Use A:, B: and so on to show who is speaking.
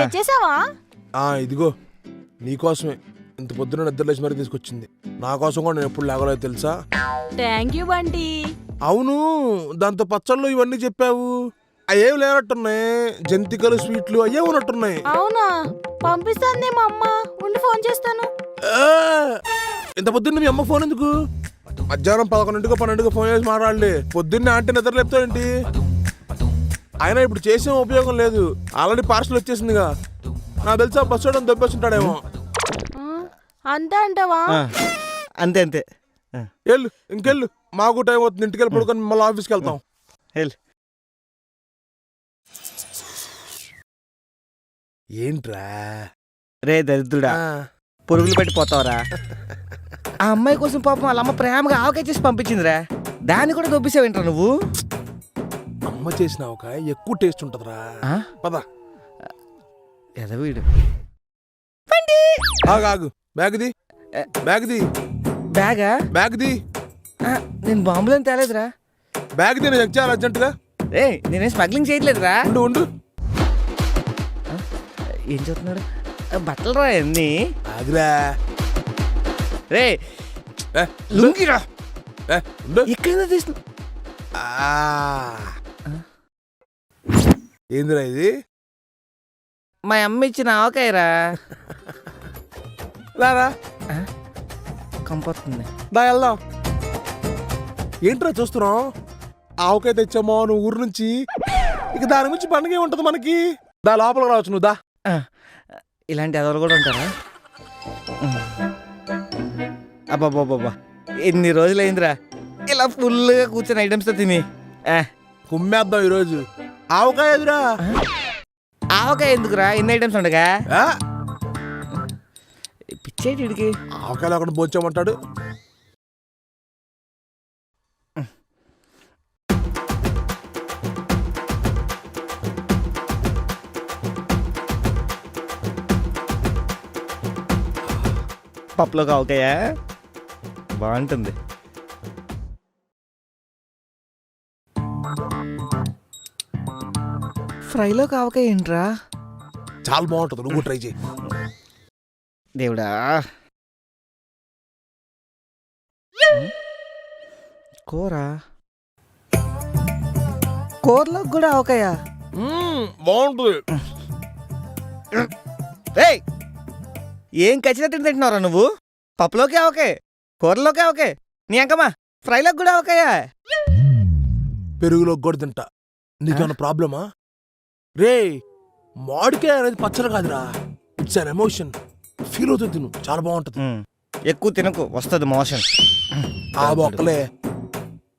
A: తెచ్చేసావా?
B: ఇదిగో నీకోసమే ఇంత పొద్దున నిద్రలేసి మరీ తీసుకొచ్చింది. నా కోసం కూడా నేను ఎప్పుడు లేగలేదు తెలుసా.
A: Thank you Bunty.
B: అవును, దాంతో పచ్చళ్ళు ఇవన్నీ చెప్పావు, అయ్యేవి లేనట్టున్నాయి. జంతికలు స్వీట్లు అయ్యే ఉన్నట్టున్నాయి.
A: అవునా, పంపిస్తాను మా అమ్మ. ఉండి ఫోన్ చేస్తాను.
B: ఇంత పొద్దున్న మీ అమ్మ ఫోన్ ఎందుకు? మధ్యాహ్నం 11 12 ఫోన్ చేసి మాట్లాడలే. పొద్దున్నే ఆంటీ నిద్ర లేపుతావేంటి? అయినా ఇప్పుడు చేసే ఉపయోగం లేదు, ఆల్రెడీ పార్సల్ వచ్చేసిందిగా. నాకు తెలుసా బస్సు చూడడం దొబ్బేస్తుంటాడేమో.
A: అంతే అంటావా?
C: అంతే అంతే.
B: వెళ్ళు, ఇంకెళ్ళు. మాకు టైం అవుతుంది, ఇంటికి వెళ్ళి పడుకొని మళ్ళీ ఆఫీస్కి వెళ్తాం. ఏంట్రా
C: రే దరిద్రుడా, పురుగులు పెట్టిపోతావరా. ఆ అమ్మాయి కోసం పాపం వాళ్ళ అమ్మ ప్రేమగా ఆవకాయ చేసి పంపించిందిరా, దాన్ని కూడా దొబ్బేసావేంట్రా నువ్వు?
B: అమ్మ చేసిన ఆవకాయ ఎక్కువ టేస్ట్ ఉంటదిరా. పద.
C: ఎదవీడు.
B: ఆగు, బ్యాగ్ది బ్యాగ్ది
C: బ్యాగా?
B: బ్యాగ్ది.
C: నేను బాంబులని తేలేదురా.
B: బ్యాగ్ది, నేను చెక్ చేయాలి అర్జెంటుగా.
C: రే నేనేం స్మగ్లింగ్ చేయట్లేదురా.
B: ఉండు.
C: ఏం చెప్తున్నాడు? బట్టలు రా అన్ని.
B: ఆగురా.
C: రే లుంగిరా. ఎక్కడైనా తీసు.
B: ఏందిరా ఇది?
C: మా అమ్మ ఇచ్చిన ఆవకాయరా.
B: రారా,
C: కంపొస్తుంది.
B: దా వెళ్దాం. ఏంట్రా చూస్తున్నాం? ఆవకాయ తెచ్చామో నువ్వు ఊరు నుంచి, ఇక దాని గురించి పండుగ ఏముంటది మనకి. దా లోపలికి రావచ్చు నువ్వు. దా.
C: ఇలాంటి ఎదవలు కూడా ఉంటారా? అబ్బాబ్బాబ్బా, ఎన్ని రోజులైందిరా ఇలా ఫుల్గా కూర్చొని ఐటమ్స్తో తిని.
B: కుమ్మేద్దాం ఈరోజు. ఆవకాయ ఎదురా.
C: ఆవకాయ ఎందుకురా, ఎన్ని ఐటమ్స్ ఉండగా? పిచ్చేటి ఇడికి
B: ఆవకాయలు అక్కడ పోచామంటాడు.
C: పప్పులోకి ఆవకాయ బాగుంటుంది. ఫ్రైలోకి ఆవకాయ ఏంట్రా?
B: చాలా బాగుంటుంది, నువ్వు ట్రై చేయి.
C: దేవుడా, కూరలోకి కూడా ఆవకాయ
B: బాగుంటుంది.
C: ఏం ఖచ్చితంగా తింటున్నారా నువ్వు? పప్పులోకి ఆవకాయ, కూరలోకి ఆవకాయ, నీ అంకమ్మా ఫ్రైలోకి కూడా ఆవకాయ.
B: పెరుగులోకి కూడా తింటా. నీకేమన్నా ప్రాబ్లమా? రే, మామిడికాయ అనేది పచ్చడి కాదురా, ఇట్స్ అన్ ఎమోషన్. ఫీల్ అవుతుంది తిను, చాలా బాగుంటది.
C: ఎక్కువ తినకు, వస్తుంది మోషన్.
B: ఆ బొక్కలే